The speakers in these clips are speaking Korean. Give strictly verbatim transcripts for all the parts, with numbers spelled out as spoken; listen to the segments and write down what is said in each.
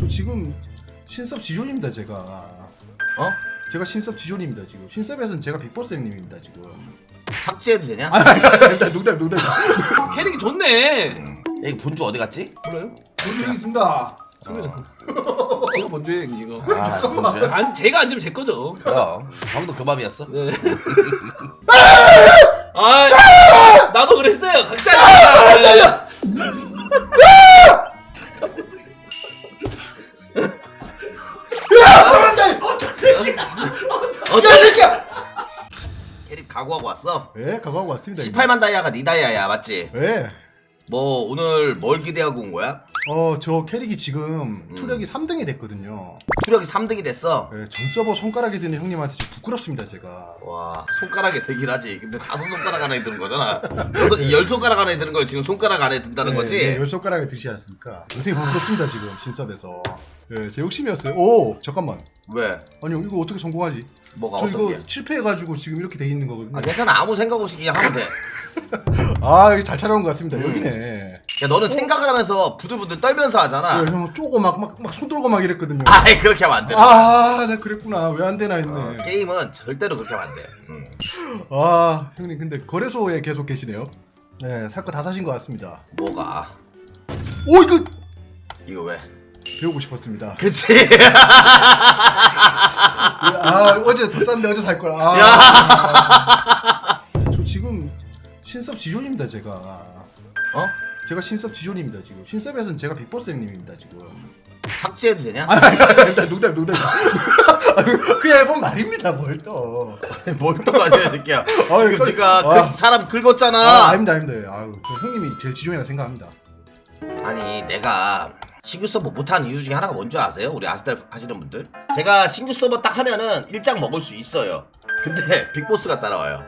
저 지금 신섭 지존입니다 제가. 어? 제가 신섭 지존입니다 지금. 신섭에서는 제가 빅보스 형님입니다 지금. 삭제해도 되냐? 아, 농담 농담 농담. 캐릭이 좋네. 음. 여기 본주 어디 갔지? 몰라요? 본주 여기 있습니다. 제가 본주에 이거. 아, 본주. 안 제가 앉으면 제 거죠. 그럼 방도 그 밥이었어. 네. 아, 나도 그랬어요. 각자. 어떤 새끼야? 어떤 새끼야? 캐릭 각오하고 왔어? 예, 각오하고 왔습니다. 십팔만 다이아가 니 다이아야 맞지? 예. 뭐 오늘 뭘 기대하고 온 거야? 어, 저 캐릭이 지금 음. 투력이 삼 등이 됐거든요. 투력이 삼 등이 됐어. 예, 전 서버 손가락에 드는 형님한테 지금 부끄럽습니다 제가. 와 손가락에 들긴 하지. 근데 다섯 손가락 안에 드는 거잖아. 여섯, 열 손가락 안에 드는 걸 지금 손가락 안에 든다는 예, 거지? 예, 열 손가락에 드시지 않습니까? 요새 부끄럽습니다 지금 신섭에서. 예, 제 욕심이었어요. 오, 잠깐만. 왜? 아니 이거 어떻게 성공하지? 뭐가 저 어떤 이거 게? 실패해가지고 지금 이렇게 돼 있는 거거든요. 아 괜찮아 아무 생각 없이 그냥 하면 돼. 아, 이거 잘 찾아온 것 같습니다. 음. 여기네. 야 너는 생각을 하면서 부들부들 떨면서 하잖아. 예, 형 쪼고 막 막 막 손 들고 막 이랬거든요. 아이 그렇게 하면 안 돼. 아, 나 그랬구나. 왜 안 되나 했네. 어, 게임은 절대로 그렇게 하면 안 돼. 음. 아, 형님 근데 거래소에 계속 계시네요. 네, 살 거 다 사신 것 같습니다. 뭐가? 오, 이거 이거 왜? 배우고 싶었습니다. 그치? 예, 아, 어제 더 싼데 어제 살 걸. 아, 야! 저 지금 신섭 지존입니다 제가. 어? 제가 신섭 지존입니다 지금. 신섭에서는 제가 빅보스 형님입니다 지금. 삭제해도 되냐? 아, 농담 농담 농담. 그냥 해본 말입니다 뭘 또. 뭘 또 아니야 새끼야. 아유, 지금 또- 네가 아. 그 사람 긁었잖아. 아, 아닙니다 아닙니다. 아유, 저 형님이 제일 지존이라 생각합니다. 아니 내가 신규 서버 못하는 이유 중에 하나가 뭔지 아세요? 우리 아스달 하시는 분들 제가 신규 서버 딱 하면은 일장 먹을 수 있어요. 근데 빅보스가 따라와요.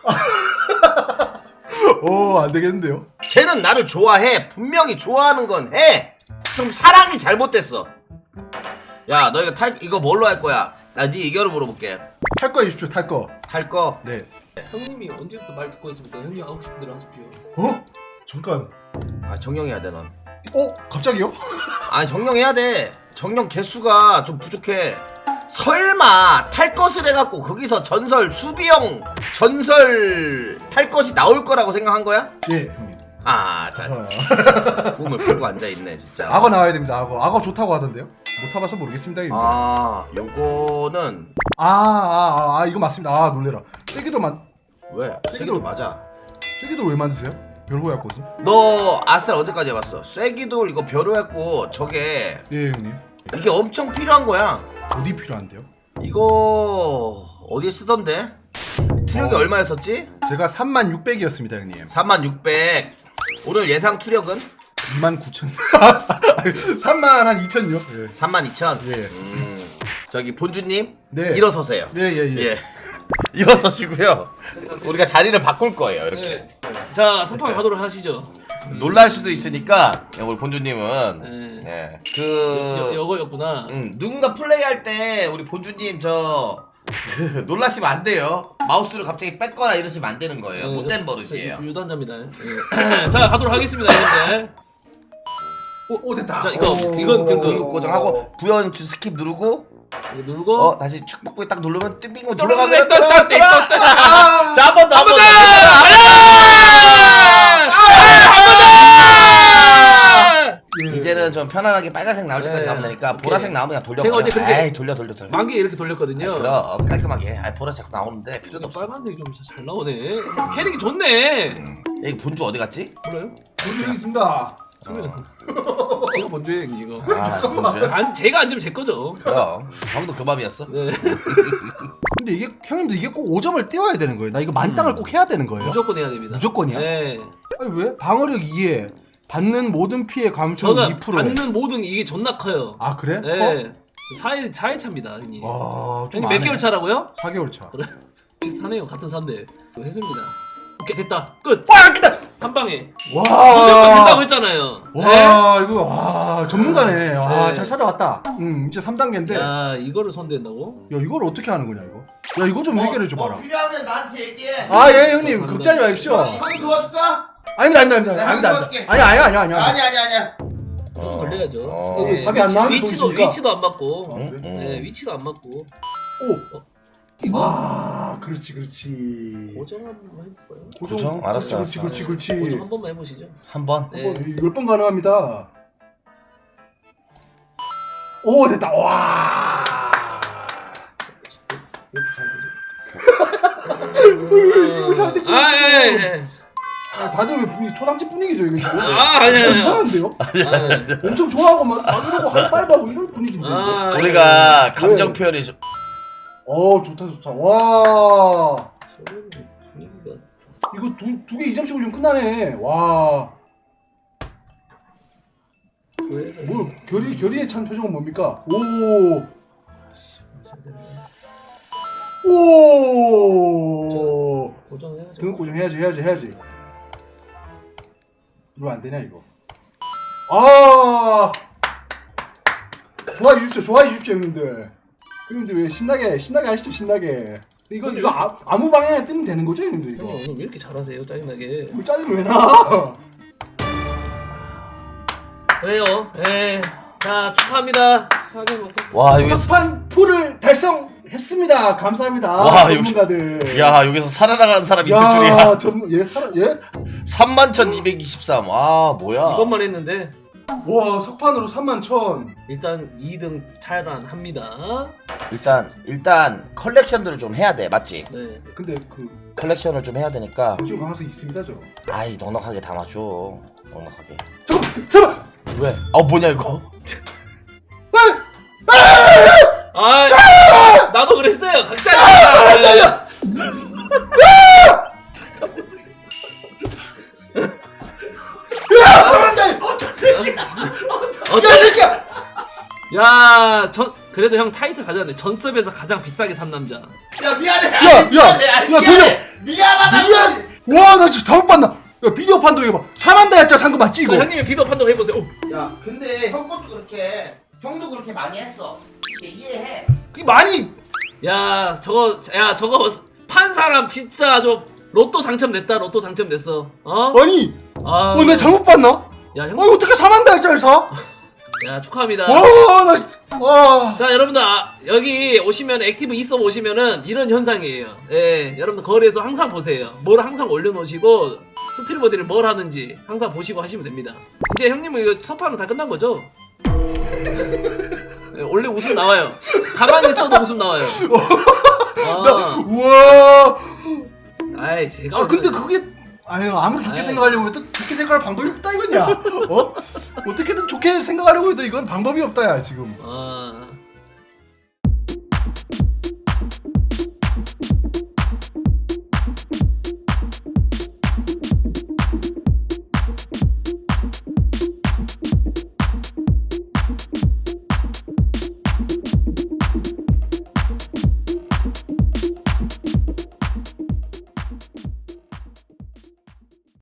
오, 안 되겠는데요? 쟤는 나를 좋아해. 분명히 좋아하는 건 해. 좀 사랑이 잘못됐어. 야 너 이거 탈 이거 뭘로 할 거야? 나 네 의견을 물어볼게. 탈 거 해주십시오 탈 거. 탈 거? 네. 형님이 언제부터 말 듣고 있습니까? 형님 하고 싶은 대로 하십시오. 어? 잠깐. 아 정령해야 돼 넌. 어? 갑자기요? 아니 정령해야 돼. 정령 개수가 좀 부족해. 설마 탈 것을 해갖고 거기서 전설 수비형 전설 탈 것이 나올 거라고 생각한 거야? 예, 형님. 아, 자 아, 꿈을 꾸고 앉아 있네 진짜. 악어 나와야 됩니다. 악어. 악어 좋다고 하던데요? 못 타봐서 모르겠습니다. 형님. 아, 아, 요거는 아, 아, 아, 이거 맞습니다. 아, 놀래라. 세기도 만, 왜? 세기도 맞아. 세기도 왜 만드세요? 별호야 꽃은? 너 아스탈 언제까지 해봤어? 쐐기돌 이거 벼루했고 저게 예, 형님. 이게 엄청 필요한 거야. 어디 필요한데요? 이거 어디에 쓰던데? 투력이 어. 얼마였었지? 제가 삼만 육백이었습니다, 형님. 삼만 육백. 오늘 예상 투력은? 이만 구천. 삼만 한 이천요? 예. 삼만 이천. 예. 음, 저기 본주님 네. 일어서세요. 예, 예, 예. 예. 일어서시고요. 우리가 자리를 바꿀 거예요. 이렇게. 네. 자, 선판 가도록 하시죠. 놀랄 수도 있으니까 우리 본주님은 네. 예. 여, 그 여거였구나. 음, 누군가 플레이할 때 우리 본주님 저 그, 놀라시면 안 돼요. 마우스를 갑자기 뺏거나 이러시면 안 되는 거예요. 네, 못된 저- 버릇이에요. 저 유단자입니다. 네. 자, 가도록 하겠습니다, 여러분들. 오, 됐다. 자, 이거, 오. 이건 지금 등록 고정하고 부연추 스킵 누르고 이거 누르고. 어 다시 축복부에 딱 누르면 띵빙 또 들어가면 또, 또, 또, 또, 또, 또. 자 한 번 더 한 번 더. 예. 이제는 좀 편안하게 빨간색 나올 때까지 네. 가면 되니까 오케이. 보라색 나오면 그냥 돌려. 제가 어제 그렇게 에이 돌려 돌려 돌려. 만개 이렇게 돌렸거든요. 아이, 그럼 깔끔하게 해. 아 보라색 나오는데 필요도 이거 없어. 빨간색이 좀 잘 나오네. 캐릭이 좋네. 음. 여기 본주 어디 갔지? 몰라요? 본주 여기 있습니다. 제가 본주에 이거. 아 본주야? 안 제가 앉으면 제 거죠. 그럼 방도 그 밥이었어. 네. 근데 이게 형님들 이게 꼭 오 점을 띄워야 되는 거예요. 나 이거 만땅을 음. 꼭 해야 되는 거예요. 무조건 해야 됩니다. 무조건이야? 네. 아니 왜? 방어력 이에 받는 모든 피해 감소 저가 이 퍼센트에. 받는 모든 이게 존나 커요. 아, 그래? 네. 사 일 사 일 차입니다, 형님. 와, 좀 형님 몇 안 해. 개월 차라고요? 사 개월 차. 비슷하네요. 같은 사인데. 했습니다. 오케이, 됐다. 끝. 와, 크다. 한 방에. 와. 무조건 된다고 했잖아요. 와, 이거 와, 전문가네. 와, 네. 잘 찾아왔다. 음, 이제 삼 단계인데. 야, 야, 이거를 손댄다고? 이걸 어떻게 하는 거냐, 이거? 야, 이거 좀 해결해 줘 봐라. 뭐 필요하면 나한테 얘기해. 아, 예, 형님. 저 걱정하지 마십시오. 형이, 형이 도와줄까? 아닙니다, 아닙니다, 아닙니다. 내가 아닙니다. 도와줄게. 아니야, 아니야, 아니야, 아니야. 아니 아니 아니야. 좀 걸려야죠. 어. 네, 답이 안 나오는 위치도 동시니까. 위치도 안 맞고. 아, 그래? 음. 네, 위치도 안 맞고. 오. 이거 아, 그렇지, 그렇지. 고정 한번 해볼까요? 고정? 알았어, 그렇지, 그렇지, 알았어. 그렇지. 고정 한 번만 해보시죠. 한번 네. 한번 열 번 가능합니다. 오, 됐다. 와. 이거 잘 됐고. 아, 예, 예. 아, 다들 왜 분위기 초당집 분위기죠 이거 지금? 아, 아니야, 아니야. 이상한데요? 아, 예. 엄청 좋아하고 막, 막 이러고 하이파이브하고 이런 분위기인데. 아, 우리가 네. 감정 표현이 좀 어, 좋다 좋다. 와. 저는 분위기가 이거 두 두 개 이 점씩 올리면 끝나네. 와. 왜? 뭘 결의 결의에 찬 표정은 뭡니까? 오. 오. 고정해야죠. 등급 고정 해야지 해야지 해야지. 이거 안 되냐 이거? 아. 좋아해 주십시오 좋아해 주십시오 형님들. 형님들 왜 신나게 신나게 하시죠 신나게. 이거 이거 아, 아무 방향에 뜨면 되는 거죠 형님들 이거? 형님 오늘 왜 이렇게 잘하세요? 짜증나게. 뭐 짜증 왜 나? 그래요. 예. 자 축하합니다. 사진 먹고. 와 여기서 석판 풀을 달성했습니다. 감사합니다. 와, 전문가들. 야 여기서 살아나가는 사람 있을 야, 줄이야. 전문 얘 살아 얘? 삼만 천이백이십삼. 아 뭐야? 이것만 했는데 와 석판으로 삼만 천. 일단 이 등 탈환합니다. 일단 일단 컬렉션들을 좀 해야 돼, 맞지? 네. 근데 그 컬렉션을 좀 해야 되니까. 지금 가능성이 있습니다 저. 아이 넉넉하게 담아줘. 넉넉하게. 잠깐 잠깐. 왜? 아 뭐냐 이거? 아, 나도 그랬어요. 각자. 어떤 새끼야? 어떤 새끼야? 야, 전 그래도 형 타이틀 가져갔네. 전섭에서 가장 비싸게 산 남자. 야 미안해. 야, 아니, 미안해. 야, 아니, 야, 미안해. 미안하다. 미안. 와, 나 진짜 잘못 봤나? 야, 비디오 판도 해봐. 사만다 했잖아, 상금 맞지 이거? 저 형님의 비도 판독 해보세요. 오. 야 근데 형 것도 그렇게 형도 그렇게 많이 했어. 이해해. 그 많이. 야, 저거, 야, 저거 판 사람 진짜 저 로또 당첨됐다. 로또 당첨됐어. 어? 아니, 아, 어, 내가 잘못 봤나? 야, 형. 어, 어떻게 사만다 했잖아, 사? 야, 축하합니다. 와, 나, 진- 와. 자, 여러분들 아, 여기 오시면 액티브 있어 보시면은 이런 현상이에요. 예, 여러분들 거리에서 항상 보세요. 뭘 항상 올려놓으시고 스트리머들이 뭘 하는지 항상 보시고 하시면 됩니다. 이제 형님은 이거 첫판은 다 끝난 거죠? 예, 원래 웃음 나와요. 가만히 있어도 웃음 나와요. 아, 우와. 아이 제가 아, 근데 원래- 그게, 아유, 아무리 좋게 아유. 생각하려고 해도 좋게 생각할 방법이 없다, 이거냐? 어? 어떻게든 좋게 생각하려고 해도 이건 방법이 없다, 야, 지금. 아,